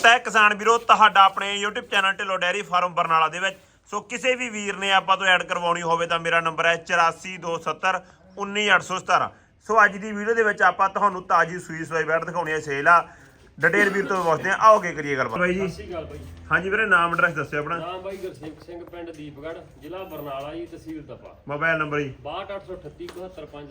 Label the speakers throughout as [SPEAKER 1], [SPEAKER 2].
[SPEAKER 1] ਤੈ ਕਿਸਾਨ ਵੀਰੋ ਤੁਹਾਡਾ ਆਪਣੇ YouTube channel Dhillon dairy farm Barnala ਦੇ ਵਿੱਚ ਸੋ ਕਿਸੇ ਵੀ ਵੀਰ ਨੇ ਆਪਾਂ ਤੋਂ ਐਡ ਕਰਵਾਉਣੀ ਹੋਵੇ ਤਾਂ ਮੇਰਾ ਨੰਬਰ ਹੈ 8427 19817। ਸੋ ਅੱਜ ਦੀ ਵੀਡੀਓ ਦੇ ਵਿੱਚ ਆਪਾਂ ਤੁਹਾਨੂੰ ਤਾਜੀ ਸੂਈ ਸਵਾਈ ਬੈਠ ਦਿਖਾਉਣੀ ਹੈ ਸੇਲ ਆ। ਡਿਟੇਲ ਵੀਰ ਤੋਂ ਪੁੱਛਦੇ ਆ, ਆਓਗੇ ਕਰੀਏ ਗੱਲਬਾਤ। ਬਾਈ ਜੀ
[SPEAKER 2] ਸਤਿ ਸ਼੍ਰੀ ਅਕਾਲ ਬਾਈ।
[SPEAKER 1] ਹਾਂਜੀ ਵੀਰੇ, ਨਾਮ ਐਡਰੈਸ ਦੱਸਿਓ ਆਪਣਾ।
[SPEAKER 2] ਨਾਮ ਬਾਈ ਗੁਰਸੇਵਕ ਸਿੰਘ, ਪਿੰਡ ਦੀਪਗੜ੍ਹ, ਜ਼ਿਲ੍ਹਾ ਬਰਨਾਲਾ ਜੀ, ਤਹਿਸੀਲ ਤਪਾ।
[SPEAKER 1] ਮੋਬਾਈਲ ਨੰਬਰ ਜੀ
[SPEAKER 2] 6283371527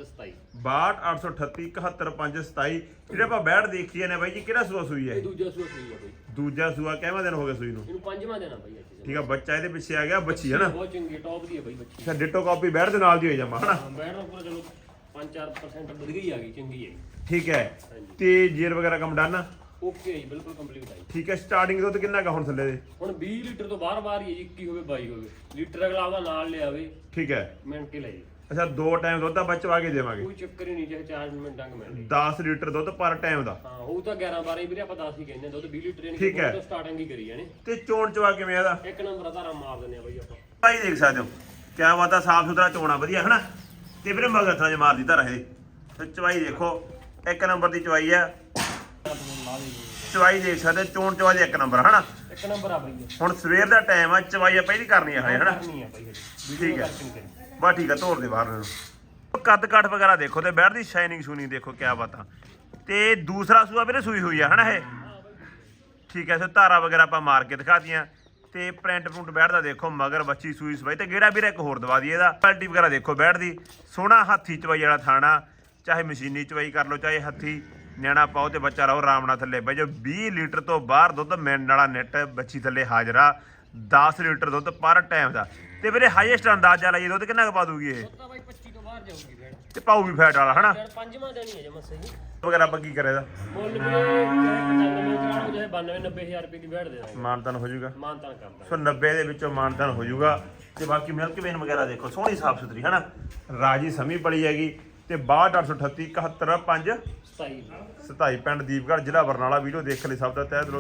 [SPEAKER 1] 6283371527। ਜਿਹੜੇ ਆਪਾਂ ਬੈਠ ਦੇਖੀਏ ਨੇ ਬਾਈ ਜੀ, ਕਿਹੜਾ ਸੂਆ ਸੂਈ ਹੈ?
[SPEAKER 2] ਇਹ ਦੂਜਾ ਸੂਆ ਸੂਈ ਆ ਬਾਈ।
[SPEAKER 1] ਦੂਜਾ ਸੂਆ ਕਿੰਨਾ ਦਿਨ ਹੋ ਗਿਆ ਸੂਈ ਨੂੰ?
[SPEAKER 2] ਇਹਨੂੰ ਪੰਜਵਾਂ ਦੇਣਾ ਬਾਈ ਅੱਜ।
[SPEAKER 1] ਠੀਕ ਆ, ਬੱਚਾ ਇਹਦੇ ਪਿੱਛੇ ਆ ਗਿਆ, ਬੱਚੀ ਹੈ ਨਾ?
[SPEAKER 2] ਬਹੁਤ ਚੰਗੀ ਟੌਪ ਦੀ ਹੈ ਬਾਈ ਬੱਚੀ।
[SPEAKER 1] ਅੱਛਾ, ਡਿਟੋ ਕਾਪੀ ਬੈਠ ਦੇ ਨਾਲ ਦੀ ਹੋਈ ਜਾਮਾ ਹਨਾ?
[SPEAKER 2] ਹਾਂ, ਬੈਠ ਦਾ ਪੂਰਾ ਚਲੋ 5-4% ਵਧ ਗਈ ਆ ਗਈ, ਚੰਗੀ ਹੈ।
[SPEAKER 1] ਠੀਕ ਹੈ। ਤੇ ਜੇਰ ਵਗੈਰਾ ਕੰਮ ਡਨ?
[SPEAKER 2] ਓਕੇ ਜੀ, ਬਿਲਕੁਲ ਕੰਪਲੀਟ ਆਈ।
[SPEAKER 1] ਠੀਕ ਹੈ। ਸਟਾਰਟਿੰਗ ਦੁੱਧ ਕਿੰਨਾ ਕਾ ਹੁਣ ਥੱਲੇ ਦੇ?
[SPEAKER 2] ਹੁਣ 20 ਲੀਟਰ ਤੋਂ ਬਾਹਰ ਹੀ 21 ਹੋਵੇ 22 ਹੋਵੇ ਲੀਟਰ, ਅਗਲਾ ਉਹਦਾ ਨਾਲ ਲਿਆਵੇ
[SPEAKER 1] ਠੀਕ ਹੈ।
[SPEAKER 2] ਮਿੰਟ ਕੇ ਲੈ ਜੀ।
[SPEAKER 1] ਅੱਛਾ, 2 ਟਾਈਮ ਦੁੱਧ ਆਪਾਂ ਚਵਾ ਕੇ ਦੇਵਾਂਗੇ?
[SPEAKER 2] ਕੋਈ ਚੱਕਰ ਹੀ ਨਹੀਂ, ਚਾਹੇ 4 ਮਿੰਟਾਂ ਕ ਮਿਲ
[SPEAKER 1] 10 ਲੀਟਰ ਦੁੱਧ ਪਰ ਟਾਈਮ ਦਾ?
[SPEAKER 2] ਹਾਂ, ਉਹ ਤਾਂ 11-12 ਵੀਰੇ, ਆਪਾਂ 10 ਹੀ ਕਹਿੰਦੇ ਦੁੱਧ 20 ਲੀਟਰ ਯਾਨੀ
[SPEAKER 1] ਠੀਕ ਹੈ।
[SPEAKER 2] ਕਿ ਸਟਾਰਟਿੰਗ ਹੀ ਕਰੀ ਜਾਣੇ।
[SPEAKER 1] ਤੇ ਚੋਣ ਚਵਾ ਕਿਵੇਂ ਇਹਦਾ?
[SPEAKER 2] ਇੱਕ ਨੰਬਰ ਧਾਰਾ ਮਾਰ ਦਿੰਦੇ ਆ ਬਾਈ ਆਪਾਂ।
[SPEAKER 1] ਭਾਈ ਦੇਖ ਸਕਦੇ ਹੋ ਕਿਆ ਬਾਤ ਆ, ਸਾਫ ਸੁਥਰਾ ਚੋਣਾ ਵਧੀਆ ਹਨਾ। ਤੇ ਵੀਰੇ ਮਗਰ ਥਾਂ 'ਚ ਮਾਰਦੀ ਧਾਰਾ ਇਹ। ਤੇ ਚਵਾਈ ਦੇਖੋ, ਇੱਕ ਨੰਬਰ ਦੀ ਚਵਾਈ ਆ। ਚਵਾਈ ਦੇਖ ਸਕਦੇ, ਚੋਣ ਚਵਾ ਦੀ ਇੱਕ ਨੰਬਰ ਹਨਾ।
[SPEAKER 2] ਇੱਕ ਨੰਬਰ ਆ ਬਾਈ।
[SPEAKER 1] ਹੁਣ ਸਵੇਰ ਦਾ ਟਾਈਮ ਆ, ਚਵਾਈ ਆ ਪਹਿਲੀ ਕਰਨੀ ਆ ਹਨਾ।
[SPEAKER 2] ਕਰਨੀ ਆ ਬਾਈ।
[SPEAKER 1] ਠੀਕ ਹੈ, ਬਸ ਠੀਕ ਆ, ਤੋੜ ਦੇ ਬਾਹਰ ਨੂੰ। ਕੱਦ ਕਾਠ ਵਗੈਰਾ ਦੇਖੋ ਤੇ ਬੈਠ ਦੀ ਸ਼ਾਈਨਿੰਗ ਸ਼ੂਨਿੰਗ ਦੇਖੋ, ਕਿਆ ਬਾਤ ਆ। ਤੇ ਦੂਸਰਾ ਸੂਆ ਵੀਰੇ ਸੂਈ ਹੋਈ ਆ ਹਨਾ ਇਹ? ਠੀਕ ਹੈ। ਸੋ ਧਾਰਾ ਵਗੈਰਾ ਆਪਾਂ ਮਾਰ ਕੇ ਦਿਖਾਤੀਆਂ। ਤੇ ਪ੍ਰਿੰਟ ਪ੍ਰਿੰਟ ਬੈਠਦਾ ਦੇਖੋ, ਮਗਰ ਬੱਚੀ ਸੂਈ ਸਵਾਈ। ਤੇ ਗੇੜਾ ਵੀਰੇ ਇੱਕ ਹੋਰ ਦਵਾ ਦਈਏ ਇਹਦਾ। ਕੁਆਲਿਟੀ ਵਗੈਰਾ ਦੇਖੋ ਬੈਠ ਦੀ, ਸੋਹਣਾ ਹੱਥੀ ਚਵਾਈ ਵਾਲਾ ਥਾਣਾ। ਚਾਹੇ ਮਸ਼ੀਨੀ ਚਵਾਈ ਕਰ ਲਓ, ਚਾਹੇ ਹੱਥੀ ਨਿਆਣਾ ਪਾਓ ਤੇ ਬੱਚਾ ਰਹੋ ਆਰਾਮ ਨਾਲ ਥੱਲੇ ਬਈ। ਜੋ 20 ਲੀਟਰ ਤੋਂ ਬਾਹਰ ਦੁੱਧ ਮਿਲਣ ਵਾਲਾ ਨੈਟ ਬੱਚੀ ਥੱਲੇ ਹਾਜ਼ਰਾ। 10 ਲੀਟਰ ਦੁੱਧ ਪਰ ਟਾਈਮ ਦਾ। ਤੇ ਵੀਰੇ ਹਾਈਐਸਟ ਅੰਦਾਜ਼ਾ ਲਾਈਏ ਦੁੱਧ ਕਿੰਨਾ ਕੁ ਪਾ ਦੂਗੀ ਇਹ?
[SPEAKER 2] ਤਾਂ ਬਾਈ 25 ਤੋਂ ਬਾਹਰ ਜਾਊਗੀ ਫੇਰ।
[SPEAKER 1] ਤੇ ਪਾਊ ਵੀ ਫੈਟ ਵਾਲਾ ਹਨਾ?
[SPEAKER 2] ਪੰਜਵਾਂ ਦੇਣੀ ਹੈ ਜਮਾ ਸਹੀ।
[SPEAKER 1] ਵਗੈਰਾ ਆਪਾਂ ਕੀ ਕਰੇ ਦਾ?
[SPEAKER 2] ਮੁੱਲ ਵੀ 95 ਕਰਾਉਂ ਜੇ 92-90,000 ਰੁਪਏ ਦੀ ਬੈਠ ਦੇ ਦਾਂਗੇ।
[SPEAKER 1] ਮਾਨਤਾਨ ਹੋ ਜਾਊਗਾ?
[SPEAKER 2] ਮਾਨਤਾਨ ਕਰਦਾ।
[SPEAKER 1] ਸੋ 90 ਦੇ ਵਿੱਚੋਂ ਮਾਨਤਾਨ ਹੋ ਜਾਊਗਾ। ਤੇ ਬਾਕੀ ਮਿਲਕ ਵੇਨ ਵਗੈਰਾ ਦੇਖੋ, ਸੋਹਣੀ ਸਾਫ ਸੁਥਰੀ ਹਨਾ। ਰਾਜੀ ਸਮੀ ਪਲੀ ਹੈਗੀ। ਤੇ 62833715
[SPEAKER 2] 27
[SPEAKER 1] 27 ਪਿੰਡ ਦੀਪਗੜ੍ਹ, ਜ਼ਿਲ੍ਹਾ ਬਰਨਾਲਾ। ਵੀਡੀਓ ਦੇਖ ਲਈ ਸਭ ਦਾ ਤਹਿ ਦਿਲੋਂ